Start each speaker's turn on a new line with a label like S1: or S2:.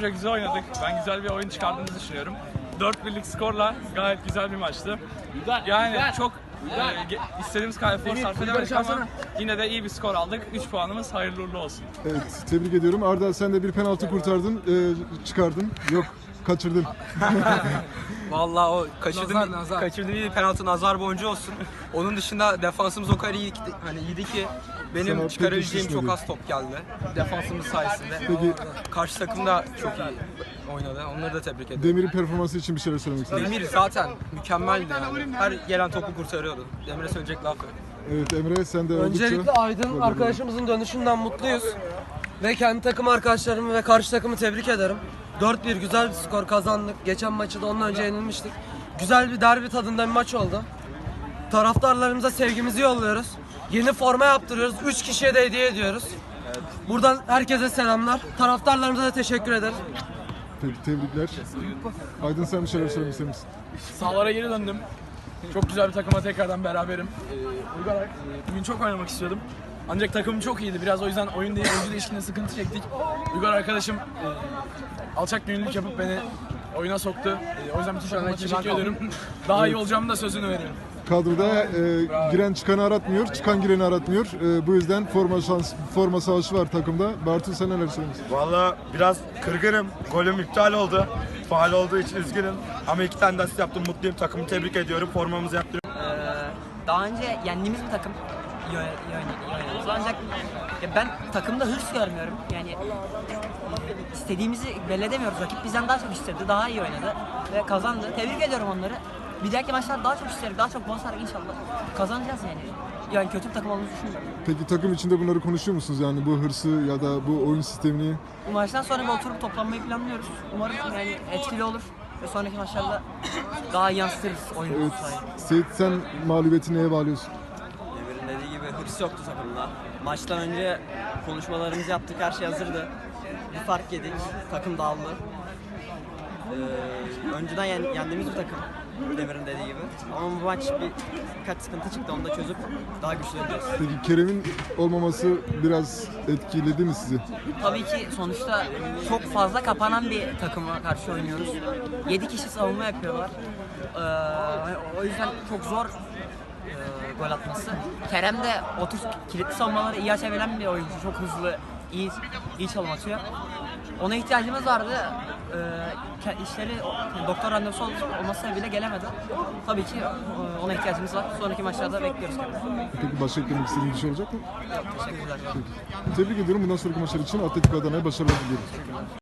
S1: takımca güzel oynadık. Ben güzel bir oyun çıkardığımızı düşünüyorum. 4-1'lik skorla gayet güzel bir maçtı. Yani çok istediğimiz kadar efor sarf edemedik ama yine de iyi bir skor aldık. 3 puanımız hayırlı uğurlu olsun.
S2: Evet, tebrik ediyorum. Arda, sen de bir penaltı kurtardın, çıkardın. Yok, kaçırdın.
S3: Vallahi o kaçırdığım bir penaltı nazar boncuğu olsun. Onun dışında defansımız o kadar iyi, hani iyiydi ki benim
S2: Sana
S3: çıkarabileceğim
S2: pek
S3: çok
S2: düşmedi.
S3: az top geldi. Defansımız sayesinde.
S2: Peki
S3: Karşı takım da çok iyi oynadı. Onları da tebrik ederim.
S2: Demir'in performansı için bir şeyler söylemek istedim.
S3: Demir zaten mükemmeldi yani. Her gelen topu kurtarıyordu. Demir'e söyleyecek laf yok.
S2: Evet Emre, sen de
S4: Öncelikle
S2: oldukça...
S4: Aydın arkadaşımızın dönüşünden mutluyuz. Ve kendi takım arkadaşlarımı ve karşı takımı tebrik ederim. 4-1 güzel bir skor kazandık. Geçen maçı da ondan önce yenilmiştik. Güzel bir derbi tadında bir maç oldu. Taraftarlarımıza sevgimizi yolluyoruz. Yeni forma yaptırıyoruz. 3 kişiye de hediye ediyoruz. Buradan herkese selamlar. Taraftarlarımıza da teşekkür ederiz.
S2: Tebrikler. Aydın, sen bir şeyler söylemek ister misin?
S1: Sahalara geri döndüm. Çok güzel bir takıma tekrardan beraberim. Uygar, bugün çok oynamak istiyordum. Ancak takımım çok iyiydi. Biraz o yüzden oyuncu değişikliğinde sıkıntı çektik. Uygar arkadaşım alçak gönüllülük yapıp beni oyuna soktu. O yüzden bütün takıma teşekkür ederim. Daha iyi olacağımı da sözünü veriyorum.
S2: Kadroda giren çıkanı aratmıyor, çıkan gireni aratmıyor. Bu yüzden forma savaşı var takımda. Bartu, sen neler söylüyorsun?
S5: Valla biraz kırgınım. Golüm iptal oldu. Faal olduğu için üzgünüm. Ama 2 tane de asist yaptım. Mutluyum. Takımı tebrik ediyorum. Formamızı yaptırıyorum.
S6: Daha önce yendiğimiz bir takım iyi oynadı. Ancak ben takımda hırs görmüyorum. Yani istediğimizi belli edemiyoruz. Rakip bizden daha çok istedi, daha iyi oynadı ve kazandı. Tebrik ediyorum onları. Bir dahaki maçlar daha çok isterim, daha çok basarak inşallah kazanacağız yani. Yani kötü bir takım olduğumuzu düşünmüyorum.
S2: Peki takım içinde bunları konuşuyor musunuz? Yani bu hırsı ya da bu oyun sistemini?
S6: Bu maçtan sonra bir oturup toplanmayı planlıyoruz. Umarım yani etkili olur ve sonraki maçlarda daha iyi yansıtırız oyunu.
S2: Evet. Seyit, sen mağlubiyeti neye bağlıyorsun?
S7: Demir'in dediği gibi hırs yoktu takımda. Maçtan önce konuşmalarımızı yaptık, her şey hazırdı. Bir fark yedik, takım dağıldı. Önceden yendiğimiz bir takım, Demir'in dediği gibi. Ama bu maç birkaç sıkıntı çıktı, onu da çözüp daha güçlü olacağız.
S2: Peki Kerem'in olmaması biraz etkiledi mi sizi?
S6: Tabii ki sonuçta çok fazla kapanan bir takıma karşı oynuyoruz. 7 kişi savunma yapıyorlar. O yüzden çok zor gol atması. Kerem de 30 kilitli savunmaları iyi açabilen bir oyuncu. Çok hızlı, iyi çalım atıyor. Ona ihtiyacımız vardı. İşleri doktor randevusu olması bile gelemedi. Tabii ki ona ihtiyacımız var. Sonraki maçlarda bekliyoruz Kerem'i.
S2: Peki başka eklemek istediğin bir şey olacak mı?
S6: Teşekkürler.
S2: Tebrik ediyorum. Bundan sonraki maçlar için Atletico Adana'ya başarılar diliyorum.